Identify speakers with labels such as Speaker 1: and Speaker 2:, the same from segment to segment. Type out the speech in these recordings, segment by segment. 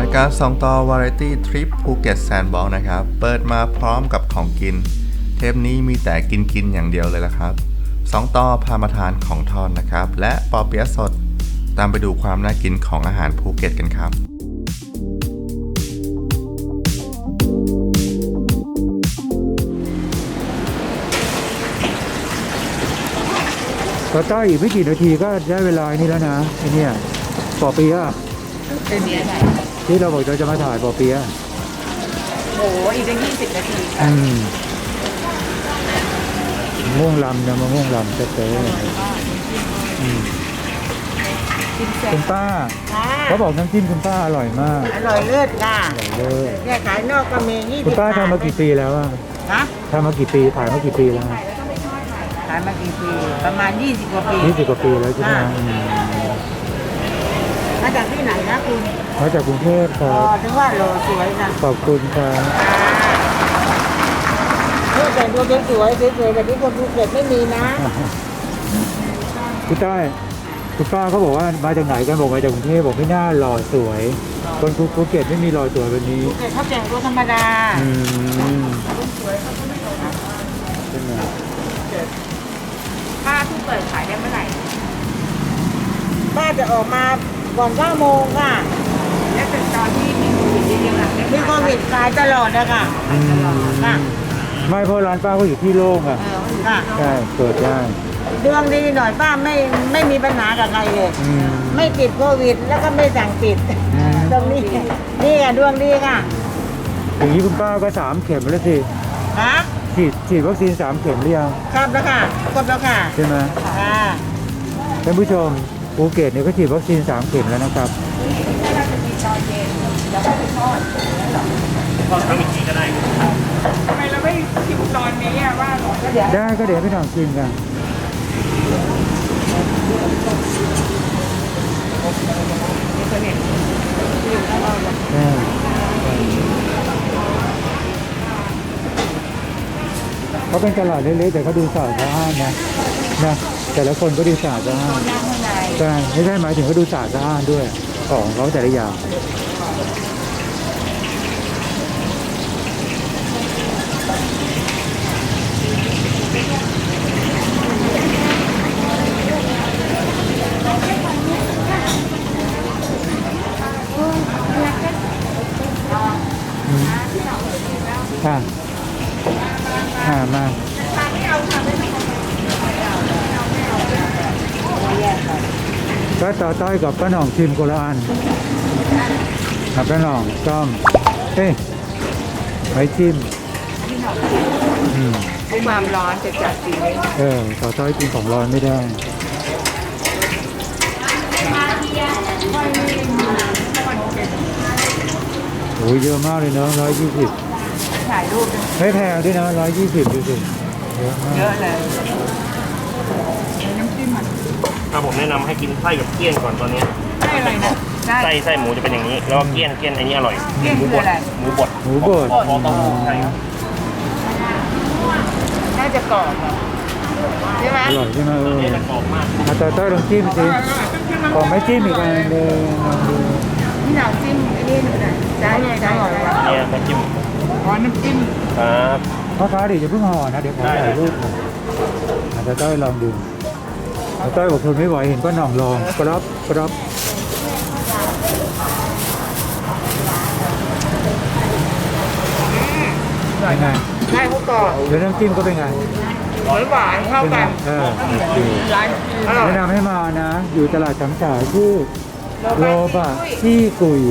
Speaker 1: ายการส่องต่อวาไรตี้ทริปภูเก็ตแซนด์บ็อกซ์นะครับเปิดมาพร้อมกับของกินเทปนี้มีแต่กินอย่างเดียวเลยละครับสองต่อพามาทานของทอดนะครับและปอเปี๊ยะสดตามไปดูความน่ากินของอาหารภูเก็ตกันครับ
Speaker 2: ก็ต้อยอีกไม่กี่นาทีก็ได้เวลานี่แล้วนะไอ้เนี่ยปอเปี๊ยะที่เราบอกเราจะมาถ่ายปอเปี๊ยะ
Speaker 3: โอ้โหอีกตั้ง20 นาที
Speaker 2: ม่วงลำนะมะม่วงลำเต๊ะคุณป้าเขาบอกน้ำจิ้มคุณป้าอร่อยมาก
Speaker 3: อร่อยเลิศค่ะ
Speaker 2: อร่อยเลิศ
Speaker 3: เนี่ยขายนอกก็มี20
Speaker 2: คุณป้าทำมากี่ปีแล้วอะทำมากี่ปีขายมากี่ปีแล้ว
Speaker 3: ขายมากี่ปีประมาณ20 กว่าปี
Speaker 2: 20 กว่าปีแล้วใช่ไหม
Speaker 3: มาจากที่ไหนนะคุณ
Speaker 2: มาจากกรุงเทพครับ
Speaker 3: ถึงว่าโลสวยนะ
Speaker 2: ขอบคุณครับ
Speaker 3: แต่งตัวสวยแบบนี้คนภูเก็ตไม่มีนะ
Speaker 2: คุณต้อยคุณป้าเขาบอกว่ามาจากไหนกันบอกมาจากกรุงเทพบอกไม่น่าหล่อสวยคนภูเก็ตไม่มีหล่อสวยแบบนี้
Speaker 3: ภูเก็ตเขาแต่งตัวธรรมดาสวยเขาไม่หล่อเป็นไงป้าเพิ่งเปิดขายได้เมื่อไหร่ป้าจะออกมาก่อน9 โมงค่ะและเป็นตอนที่มีโควิดเยอะๆมีโควิดขายตลอดนะคะค่ะ
Speaker 2: ไม่เพราะร้านป้าก็อยู่ที่โล่งอ่ะใช่เปิดได้
Speaker 3: ดวงดีหน่อยป้าไม่มีปัญหากับใครเลยไม่ติดโควิดแล้วก็ไม่สั่งปิดตรงนี้นี่ค่ะดวงดีค่ะ
Speaker 2: อย่างนี้คุณป้าก็3 เข็มแล้วสิ
Speaker 3: ฮะ
Speaker 2: ฉีดวัคซีน3 เข็มหรือยัง
Speaker 3: ครับแล้วค่ะครบแล้วค่ะ
Speaker 2: ใช่ไหม
Speaker 3: ค่ะ
Speaker 2: ท่านผู้ชมภูเก็ตเนี่ยก็ฉีดวัคซีน3 เข็มแล้วนะครับ
Speaker 3: เราจะมีตอนเย็นแล้วก็ไปทอด
Speaker 4: ทำอีกทีก็ได้
Speaker 3: ทำไมเราไม่ชิมตอนนี้ว่าหรอก็เดี๋ยว
Speaker 2: ได้ก็เดี๋ยวไปลองชิมกันเขาเป็นตลาดเล็กๆแต่เขาดูสะอาดสะอ้านนะแต่ละคนก็ดูสะอาดสะอ้านใช่ไม่ใช่หมายถึงเขาดูสะอาดสะอ้านด้วยของเขาแต่ละอย่างมาก็ต่อต้อยกับป้าหน่องชิมคนละอันกับป้าหน่องต้อมไว้ชิม
Speaker 3: ความร้อนจะจัดสิ
Speaker 2: ต่อต้อยกินของร้อนไม่ได้โอ้ยเยอะมากเลยเนาะ120
Speaker 3: ถ่ายรูป
Speaker 2: ไม่แพงด้วยนะ120ดูสิ
Speaker 3: เยอะเลยน้ำจิ้ม
Speaker 4: ผมแนะนำให้กินไส้กับเกี้ยนก่อนตอนนี้
Speaker 3: ไส้อะไรนะ
Speaker 4: ไส้หมูจะเป็นอย่างนี้แล้วเกี้ยนอันนี้อร่อย
Speaker 3: หมูบด
Speaker 4: หมูบดใช่ครับ
Speaker 3: น่าจะกรอบใช่ไหม
Speaker 2: อร่อยใช่ไหม
Speaker 4: จะกรอบมาก
Speaker 2: ต่อต้อยลองจิ้มสิขอไม่จิ้มอีกอันนึง
Speaker 3: นี่หนังจิ้มนี่หนึ่งนะได้
Speaker 4: เนี่ยน้ำจิ้ม
Speaker 3: น้ำจิ้ม
Speaker 4: ครับ
Speaker 2: พ่อค้าเดี๋ยวจะเพิ่งห่อนะเดี๋ยวขอถ่ายรูปต่อต้อยลองดูต่อต้อยบอกทนไม่ไหวเห็นป้าหน่องลองกรอบเป็นไง
Speaker 3: ได้เขากรอบ
Speaker 2: แล้วน้ำจิ้มก็เป็นไง
Speaker 3: หวานเข้ากัน
Speaker 2: แนะนำให้มานะอยู่ตลาดช้างฉายที่โลบะที่กุย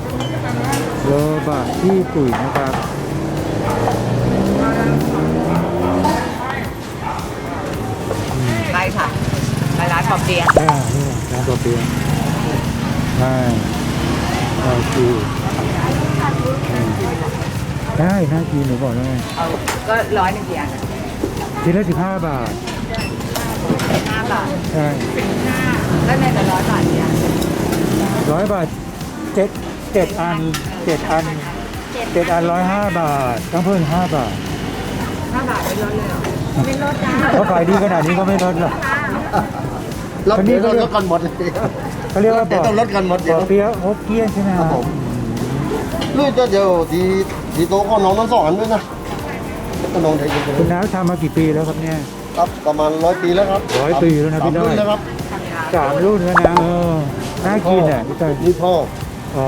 Speaker 2: นะครับ
Speaker 3: ไปค่ะไปร้านปอเปี๊ยะ
Speaker 2: นี่ร้านปอเปี๊ยะคือได้น่ากินหนูบอกได้
Speaker 3: ก็100กี่อัน
Speaker 2: ชิ้นละ15 บาท
Speaker 3: 5 บาท
Speaker 2: ใช่
Speaker 3: แล้วในแต่100 บาทเนี่ย
Speaker 2: 100 บาท7 อัน105 บาทต้องเพิ่ม5 บาท
Speaker 3: 5 บาทไม่ลดเลยหรอไม่ลดจ้า
Speaker 2: เขาขายดีขนาดนี้ก็ไม่ลดหรอก
Speaker 4: ลดกันหมดเลย
Speaker 2: เขาเรียกว่า
Speaker 4: ต้องลดกันหมด
Speaker 2: ปอเปี๊ยะฮกเกี้ยนใช่ไหมครับผม
Speaker 5: ลูกจะเดี๋ยวทีโตก็น้องทั้งสองอันด้วยนะก็น้องไทย
Speaker 2: คุณน้าทำมากี่ปีแล้วครับเนี่ย
Speaker 5: ครับประมาณ100 ปีแล้วครับ
Speaker 2: 100 ปีแล้วนะพี่น้อย
Speaker 5: 3 รุ่นแล้วครับ
Speaker 2: 3 รุ่นแล้วนะน่ากินอ่ะพี่ต้อย
Speaker 5: นี่พ่อ
Speaker 2: อ๋อ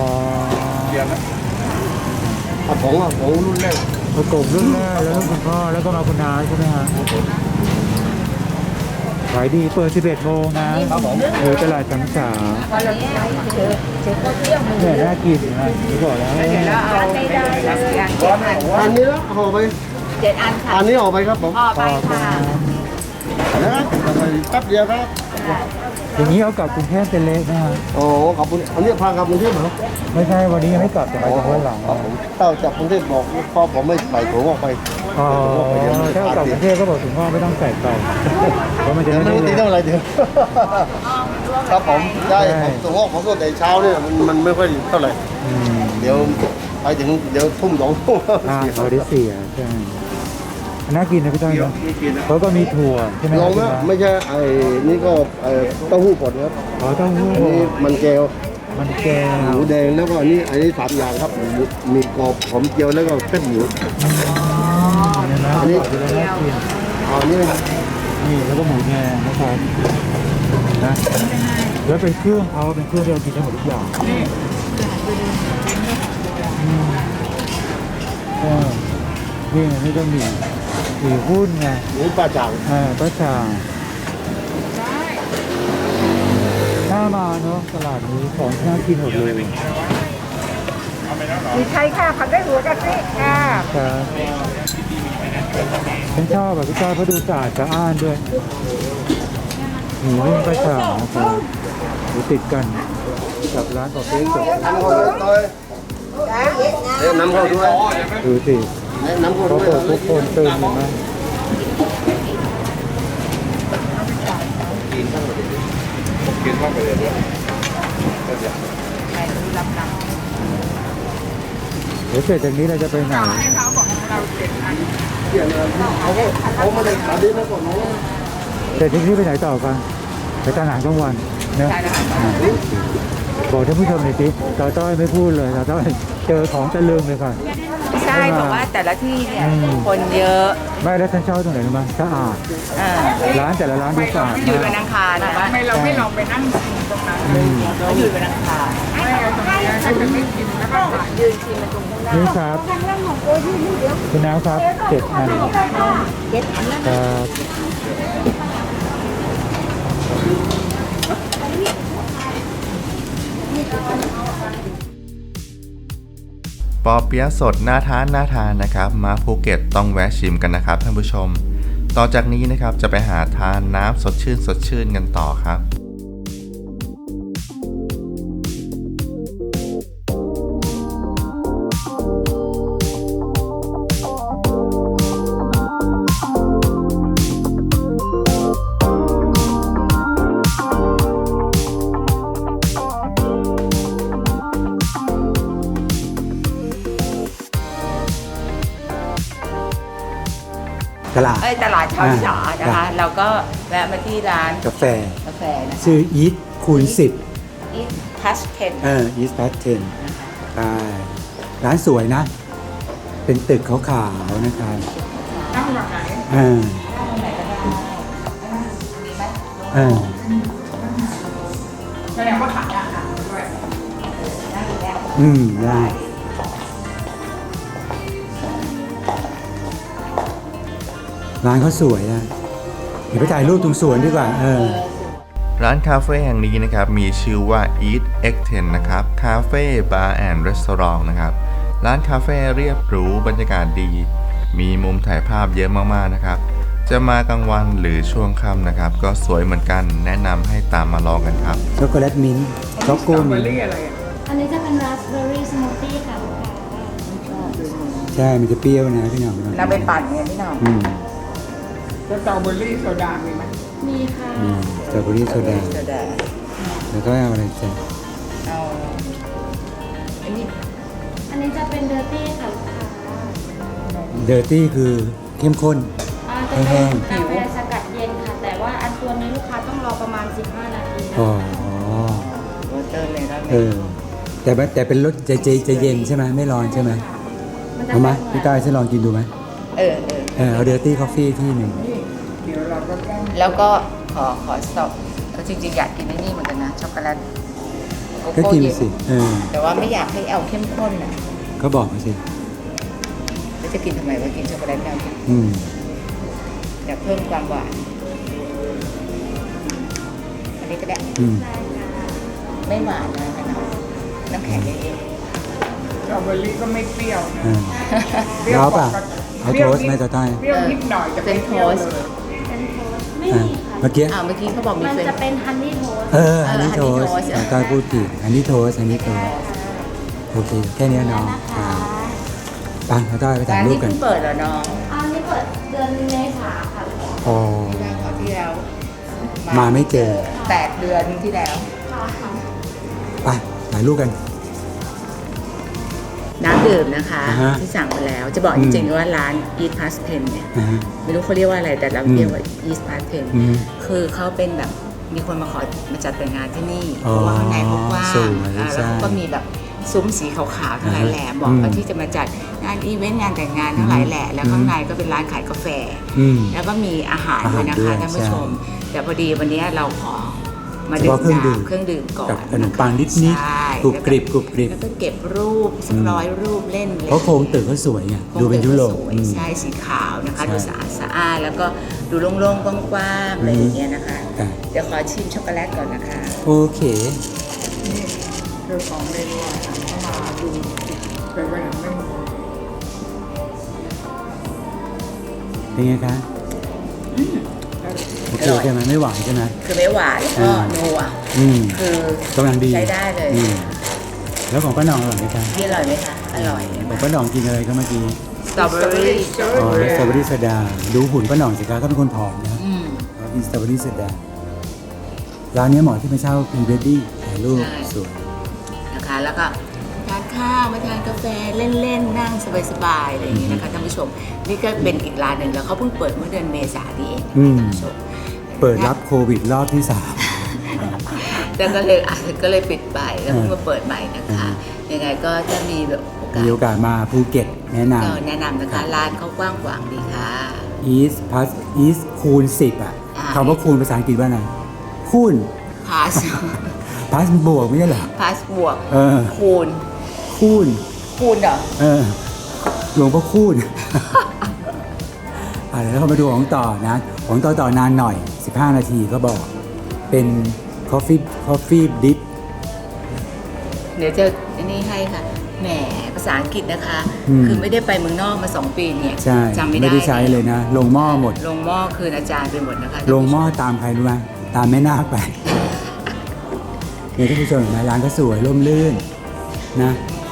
Speaker 5: ของรุ่นแรก
Speaker 2: ประกบรุ่นแรกแล้วคุณพ่อแล้วก็มาคุณน้าใช่ไหมฮะขายดีเปิด 11 โมงนะตลาดสังสาเนี่ยน่ากินนะที่บอกแล้ว
Speaker 5: อันนี้ละห่อไป
Speaker 3: 7 อันค่ะ
Speaker 5: อันนี้ห่อไปครับผม
Speaker 3: ออกไปค่ะ
Speaker 5: นะครับแป๊บเดียวครับ
Speaker 2: อย่างนี้เอากลับกรุงเทพเป็นเล็กนะฮะ
Speaker 5: โอ้ขอบคุณอันนี้พากลับกรุงเทพเหรอ
Speaker 2: ไม่ใช่วันนี้ยังไม่กลับแต่ไปถึงวันหลัง
Speaker 5: ครับผมเต้าจากกรุงเทพบอกพ่อผมไม่ใส่ถุงออกไป
Speaker 2: อ๋อถ้าเอากลับกรุงเทพก็บอกถึงพ่อไม่ต้องใส่ไปเพราะมันจะ
Speaker 5: เดี๋ยว
Speaker 2: ไม่
Speaker 5: ไม่
Speaker 2: ได้
Speaker 5: รู้ตี
Speaker 2: เลย
Speaker 5: เท่าไหร่เดี๋ยวครับผมได้ผมถุงออกผมก็แต่เช้าเนี่ยมันไม่ค่อยเท่าไหร่
Speaker 2: อืม
Speaker 5: เดี๋ยวไปถึงเดี๋ยวทุ่ม2 ทุ่ม
Speaker 2: เขาได้เสียใช่น่ากินนะพี่ต้อยนะเขาก็มีถั่วใช่ไหม
Speaker 5: ลองนะไม่ใช่ไอ้นี่ก็เต้าหู้ก่อนครับ
Speaker 2: อ๋อเต้าหู้
Speaker 5: อันนี้มันแก้ว
Speaker 2: มันแก้ว
Speaker 5: หมูแดงแล้วก็อันนี้3 อย่างครับมีกรอบหอมเจียวแล้วก็เส้นหมู
Speaker 2: เนี่ยนะ
Speaker 5: อันนี้
Speaker 2: บอกเลยน่ากิน
Speaker 5: อันนี้
Speaker 2: นี่แล้วก็หมูแดงนะครับนะแล้วเป็นเครื่องเขาเป็นเครื่องที่เรากินได้หมดทุกอย่างนี่ก็มีหุ้นไง
Speaker 5: หมูปลาจ่าง
Speaker 2: ป้าจ่าน่ามาเนาะตลาดนี้ของน่ากินหมดเลย
Speaker 3: มีไทยค่ะผัดได้หัวกะทิค่ะ
Speaker 2: ครับฉันชอบแบบพี่จ้อยเพราะดูสะอาดสะอ้านด้วยหมูนึ่งป้าจ่านะครับอยู่ติดกันกับร้านกาแฟสด
Speaker 5: น้ำเข้าด้วยน้ำเข้าด้วย
Speaker 2: ดูสิ
Speaker 5: น้ำเข้า
Speaker 2: เขา
Speaker 5: ด้วย
Speaker 2: เปิดทุกคนตื่นเห็นไหมเดี๋ยวเสร็จจากนี้เราจะไปไหน
Speaker 5: เขาไม่ได้ขาดีนะก่อนน้อง
Speaker 2: เสร็จจากนี้ไปไหนต่อกันไปตลาดกลางวันนะบอกท่านผู้ชมหน่อยสิตาต้อยไม่พูดเลยตาต้อยเจอของตะลึงเลยค่ะ
Speaker 3: ใช่บอกว่าแต่ละที่เนี่ยคนเยอะ
Speaker 2: ไม่แล้วฉันชอบตรงไหนรู้ไหมสะอาดร้านแต่ละร้านดูสะอาด
Speaker 3: หยุด
Speaker 2: มา
Speaker 3: วั
Speaker 2: ก
Speaker 3: นอังคารนะทำไมเราไม่ลองไปนั่งชิมตรงนั้นหยุดวันอังคารยืนชิมตรงข้างหน้า
Speaker 2: นี่ครับคุณน้าครับ7 อันครับ
Speaker 1: ปอเปี๊ยะสดน่าทานนะครับมาภูเก็ตต้องแวะชิมกันนะครับท่านผู้ชม ต่อจากนี้นะครับจะไปหาทานน้ำสดชื่นกันต่อครับ
Speaker 2: ตลาด
Speaker 3: ตลาดชาวสานะคะ เราก็แวะมาที่ร้าน
Speaker 2: กาแฟ
Speaker 3: กาแฟนะ
Speaker 2: ชื่ออีทคูณ10
Speaker 3: อีทพัสเทน
Speaker 2: อีทแพทเทนใช่ร้านสวยนะ เป็นตึกขาวๆนะครับ
Speaker 3: แสดงว่าขายอาหารด้วย
Speaker 2: ได้ร้านเขาสวยนะเดี๋ยวไปถ่ายรูปตรงสวนดีกว่า
Speaker 1: ร้านคาเฟ่แห่งนี้นะครับมีชื่อว่า Eat X10 นะครับคาเฟ่บาร์แอนด์รีสอร์ทนะครับร้านคาเฟ่เรียบหรูบรรยากาศดี มีมุมถ่ายภาพเยอะมากๆนะครับจะมากลางวันหรือช่วงค่ำนะครับก็สวยเหมือนกันแนะนำให้ตามมาลองกันครับ
Speaker 2: ช็อกโกแลตมิ้นท์ช็อกโกมิ้นท์
Speaker 6: อันนี้จะเป็นราสเบอร์รี่สมูทตี้ค่ะลูกค้า
Speaker 2: ใช่มันจะเปรี้ยวนะพี่หน่อง
Speaker 3: เราไปปั่นเนี่ยพี่น้อง
Speaker 6: มีค่ะ
Speaker 2: สตรอเบอรี่โซดา
Speaker 3: โซดา
Speaker 2: แล้วก็เอาอะไรจ้ะ
Speaker 3: เอาอันนี้
Speaker 6: อันนี้จะเป็นเดอร์ตี้ค่ะลูกค้า
Speaker 2: เดอร์ตี้คือเข้มข้น
Speaker 6: จะ
Speaker 2: แห้
Speaker 6: เป็น
Speaker 2: ง
Speaker 6: กาแฟสกัดเย็นค่ะ แต่ว่าอันตัวนี้ลูกค้าต้องรอประมาณ 15 นาทีนะ
Speaker 2: อ๋อ
Speaker 3: โรเตอร์เลยได้ไหม
Speaker 2: เออแต่เป็นรสจะเย็นใช่ไหมไม่ร้อนใช่ไหมเอามาพี่ต้อยฉันลองกินดูไหมเอาเดอร์ตี้คอฟฟี่ที่หนึ่ง
Speaker 7: แล้วก็ขอสต็อปจริงๆอยากกินไอ้นี่เหมือนกันนะช็อกโกแลตโก
Speaker 2: ก็
Speaker 7: โก้
Speaker 2: กิน
Speaker 7: เย็น
Speaker 2: สิ
Speaker 7: แต่ว่าไม่อยากให้เอาเข้มข้นนะ
Speaker 2: ก็บอกมาสิ
Speaker 7: แล้วจะกินทำไมว่ากินช็อกโกแลตแล้วเนี่ย
Speaker 2: อืม
Speaker 7: อยากเพิ่มความหวานอันนี้ก็ได้
Speaker 2: อืม
Speaker 7: ไม่หวานนะน้ำแข็งเยอะ
Speaker 3: สตรอเบอรี่ก็ไม่เปรี้ยวนะ
Speaker 2: แล้วป่ะเอาโทสต์ไหมตาต้อย
Speaker 3: เปรี้ยวนิดหน่อยจะ
Speaker 7: ๆเป็นโทสต์
Speaker 6: ไม่มีค่ะ
Speaker 2: เมื่อกี้
Speaker 7: เมื่อกี้เขาบอกมี
Speaker 6: มัน
Speaker 7: เป็น
Speaker 6: จะเป็นฮันนี่โทสต์
Speaker 2: อันนี้โทสต์
Speaker 7: honey toast
Speaker 2: ตาต้อยพูดผิดอันนี้โทสต์โอเคแค่นี้เนาะไปตาต้อยไปถ่า
Speaker 7: ร้าย น
Speaker 2: รู
Speaker 7: นี้
Speaker 2: ปกัน
Speaker 7: เพิ่งเปิดเหรอน้อง
Speaker 6: อันนี้เปิดเดือนเมษาค่ะ
Speaker 2: อ๋อ
Speaker 7: ที่แล้ว
Speaker 2: มาไม่เจอ
Speaker 7: 8 เดือนที่แล้ว
Speaker 2: ไปถ่ายรูปกัน
Speaker 7: น้ำดื่มนะคะ
Speaker 2: อ่าฮะ
Speaker 7: ที่สั่งไปแล้วจะบอกจริงๆว่าร้าน Eat Past Pen เนี่ย
Speaker 2: นะฮะ
Speaker 7: ไม่รู้เขาเรียกว่าอะไรแต่เราเรียกว่า Eat Past Pen
Speaker 2: อืม
Speaker 7: คือเขาเป็นแบบมีคนมาขอมาจัดแต่งงานที่นี่เพ
Speaker 2: อ๋อ
Speaker 7: ราะว่าข้างในเขากว้าง
Speaker 2: สวย
Speaker 7: แล้ว
Speaker 2: ใช่
Speaker 7: เขาก็มีแบบซุ้มสีขาวๆทั้งหลายแหล่บอก
Speaker 2: อืม
Speaker 7: ว่าที่จะมาจัดงานอีเวนต์งานแต่งงานทั้งหลายแหล่แล้วข้างในก็เป็นร้านขายกาแฟ
Speaker 2: อืม
Speaker 7: แล้วก็มีอาหารด้วยนะ
Speaker 2: อาหารด้ว
Speaker 7: คะ
Speaker 2: ย
Speaker 7: ท่านผู้
Speaker 2: ใช่
Speaker 7: ชม แต่พอดีวันนี้เราขอมา
Speaker 2: เฉ
Speaker 7: ดื่ม
Speaker 2: พาะเครื่องดื่ม
Speaker 7: น้ำเครื่องดื่มก่อน
Speaker 2: กับขนมปังนิด
Speaker 7: ใช่
Speaker 2: ๆกรุบกริบกรุบกริบ
Speaker 7: แล้วก็เก็บรูปสัก100 รูปเล่นเลย
Speaker 2: เพราะโครงตึกเขาสวยไงดูเป็นยุโรป
Speaker 7: สวย
Speaker 2: อืม
Speaker 7: ใช่สีขาวนะคะ
Speaker 2: ใช่
Speaker 7: ดูสะอาดสะอ้านแล้วก็ดูโล่งๆกว้างๆอะไรอย่างเงี้ยนะคะ
Speaker 2: ค่ะ
Speaker 7: เดี๋ยวขอชิมช็อกโกแลตก่อนนะคะ
Speaker 2: โอเค
Speaker 3: คือของเมนูอาหารเข้ามาดูแต่ว่ายังไม่หมด
Speaker 2: เป็นไงคะโอเคใช่ไหมไม่หวานใช่ไหม
Speaker 7: คือไม่หวานแล้วก็นัว
Speaker 2: อืม
Speaker 7: คือก
Speaker 2: ำลังดี
Speaker 7: ใช้ได้เลย
Speaker 2: อืมแล้วของป้าหนองอร่อยไหมคะ
Speaker 7: พี่อร่อยไหมคะ อร่อย
Speaker 2: ของป้าหนองกินอะไรก็เมื่อกี้
Speaker 7: สตรอเบอรี่
Speaker 2: อ๋อสตรอเบอรี่โซดาดูหุ่นป้าหนองสิคะก็เป็นคนผอมนะ
Speaker 7: อืม
Speaker 2: กินสตรอเบอรี่โซดาร้านนี้เหมาะที่มาเช่าพรีเวดดิ้งถ่ายรูป
Speaker 7: ใช่
Speaker 2: สวย
Speaker 7: นะคะแล้วก็ทานข้าวมาทานกาแฟเล่นๆนั่งสบายๆอะไรอย่างนี้นะคะท่านผู้ชมนี่ก็เป็นอีกร้านหนึ่งแล้วเขาเพิ่งเปิดเมื่อเดือนเมษายนนี้เอง
Speaker 2: อืม
Speaker 7: ท่านผู้ชม
Speaker 2: เปิดรับโควิดรอบที่
Speaker 7: แล้วก็เลยปิดไปแล้วเพิ่งมาเปิดใหม่นะคะยังไงก็จะมีแบบโอกา
Speaker 2: 3 มีโอ
Speaker 7: ส
Speaker 2: กาสมาภูเก็ตแนะน
Speaker 7: ก็แนะนำนะคะร้านเขากว้างขวางดีค่ะ
Speaker 2: ำ East Plus East คูณ 10 อ่ะ
Speaker 7: อ่า
Speaker 2: คำว่าคูณภาษาอังกฤษว่าไงคูณ
Speaker 7: พาส
Speaker 2: Plus บวกไม่ใช่เหรอ
Speaker 7: พาสบวก
Speaker 2: เออ
Speaker 7: คูณ
Speaker 2: คูณ
Speaker 7: คูณเหรอ
Speaker 2: เออหลวงพ่อคูณ แล้วเขามาดูของต่อนะ ของต่อนานหน่อย 15 นาทีก็บอก เป็น coffee dip
Speaker 7: เดี๋ยวจะนี่ให้ค่ะแหมภาษาอังกฤษนะคะ
Speaker 2: อืม
Speaker 7: คือไม่ได้ไปเมืองนอกมา 2 ปีเนี่ย
Speaker 2: ใช่
Speaker 7: จำไม่
Speaker 2: ไม่
Speaker 7: ได้
Speaker 2: ได้ใช้เลยนะ ลงหม้อหมด
Speaker 7: ลงหม้อคืนอาจารย์ไปหมดนะคะ
Speaker 2: ลงหม้อตามใครรู้ไหมตามแม่นาคไป เนี่ยท่านผู้ชมเห็นไหมร้านก็สวยร่มรื่นนะ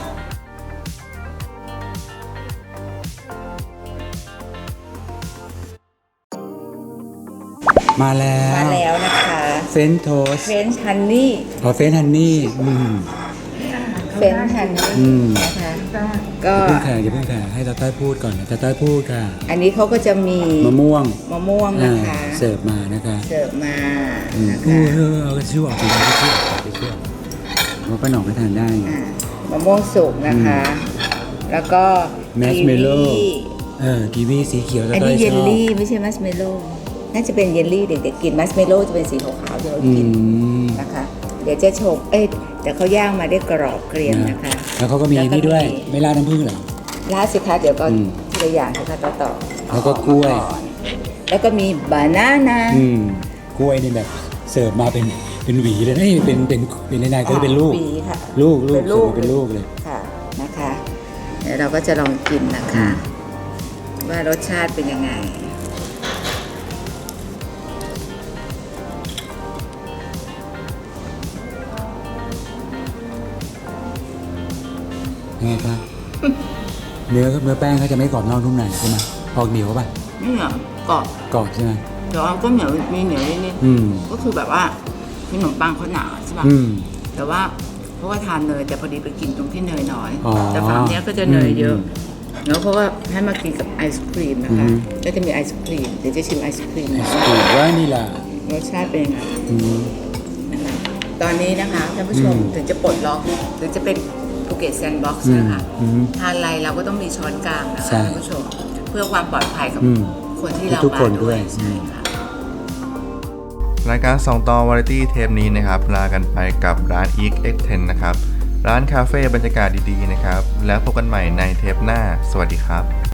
Speaker 2: มาแล้
Speaker 7: มาว แล้วนะคะ
Speaker 2: เฟนโทส
Speaker 7: เฟรนช์ฮันนี่
Speaker 2: อ๋อเฟนฮันนี่
Speaker 7: เฟรนช์ฮันนี่
Speaker 2: อืม
Speaker 7: นะคะก็
Speaker 2: อย่าเพิ่งแข่ให้ตาต้อยพูดก่อนนะตาต้อยพูดค่ะ
Speaker 7: อันนี้เขาก็จะมี
Speaker 2: มะม่วง
Speaker 7: มะม่วงนะคะ
Speaker 2: เสิร์ฟมานะคะ
Speaker 7: เสิร์ฟมา
Speaker 2: อืม
Speaker 7: นะ
Speaker 2: เอ
Speaker 7: คะ
Speaker 2: อเอากระชื่อออกไปช่วยว่าป้าหน่องไม่ทานได้ไง
Speaker 7: มะม่วงสุกนะคะ แล้วก็
Speaker 2: แมชเมลโล่
Speaker 7: กีวี
Speaker 2: กีวีสีเขียวตา
Speaker 7: อัน
Speaker 2: ต้อ
Speaker 7: นี้
Speaker 2: ย
Speaker 7: เย
Speaker 2: ช
Speaker 7: ล
Speaker 2: อบ
Speaker 7: ลี่ไม่ใช่มัชเมลโล่น่าจะเป็นเยลลี่เด็กๆกินมัชเมลโล่จะเป็นสีขาวๆที่เรา
Speaker 2: อื
Speaker 7: กิน
Speaker 2: ม
Speaker 7: นะคะ เดี๋ยวจะชมแต่เขาย่างมาได้กรอบเกรียมนะคะ
Speaker 2: แล้วเขาก็มีนี่ด้วย ไม่ราดน้ำผึ้งเหรอ
Speaker 7: ราดสิคะเดี๋ยวก็
Speaker 2: อืม
Speaker 7: ทีละอย่างสิคะต่อ
Speaker 2: แล้วก็กล้วย
Speaker 7: แล้วก็มีบานาน่า
Speaker 2: กล้วยนี่แบบเสิร์ฟมาเป็นหวีเลยนะเป็นในๆก็เป็นลูก
Speaker 7: ปีค่ะ
Speaker 2: ลูก
Speaker 7: เป็นลูก
Speaker 2: เสิร์ฟมาเป็นลูกเลย
Speaker 7: ค่ะนะคะ เดี๋ยวเราก็จะลองกินนะคะ ว่ารสชาติเป็นยังไง
Speaker 2: ไงครับ เนื้อแป้งเขาจะไม่กรอบนอกนุ่มในใช่ไหมออกเหนียวป่ะ
Speaker 7: นี่เหรอ กรอบ
Speaker 2: กรอบใช่ไหม
Speaker 7: แต่ว่าก็เหนียวมีเหนียวนิด
Speaker 2: อืม
Speaker 7: ๆก็คือแบบว่าขนมปังเขาหนาใช่ป่ะ
Speaker 2: อืม
Speaker 7: แต่ว่าเพราะว่าทานเนยแต่พอดีไปกินตรงที่เนยน้อย
Speaker 2: อ๋อ
Speaker 7: แต่ฝั่งเนี้ยก็จะเนยเยอะ
Speaker 2: อืม
Speaker 7: แล้วเขาก็ให้มากินกับไอศครีมนะคะ
Speaker 2: อืม
Speaker 7: ก็จะมีไอศครีมเดี๋ยวจะชิมไอศครีม
Speaker 2: ถูกว่านี่ล่ะ
Speaker 7: รสชาติเป็นยังไง
Speaker 2: อืม
Speaker 7: นะคะตอนนี้นะคะท่านผู้ชมถึงจะปลดล็อกหรือจะเป็นภูเก็ตแซนด์บ็อกซ์นะคะ ทานอะไรเราก็ต้องมีช้อนกลางนะคะ
Speaker 2: ใช่
Speaker 7: ท่านผู้ชม เพื่อความปลอดภัยกับ
Speaker 2: อืม
Speaker 7: คนที่เรา
Speaker 2: ทุกคน
Speaker 7: มา
Speaker 2: ด้วย
Speaker 7: ใช่ค่ะ
Speaker 1: รายการ2ต่อวาไรตี้เทปนี้นะครับลากันไปกับร้าน Eek X10 นะครับร้านคาเฟ่บรรยากาศดีๆนะครับแล้วพบกันใหม่ในเทปหน้าสวัสดีครับ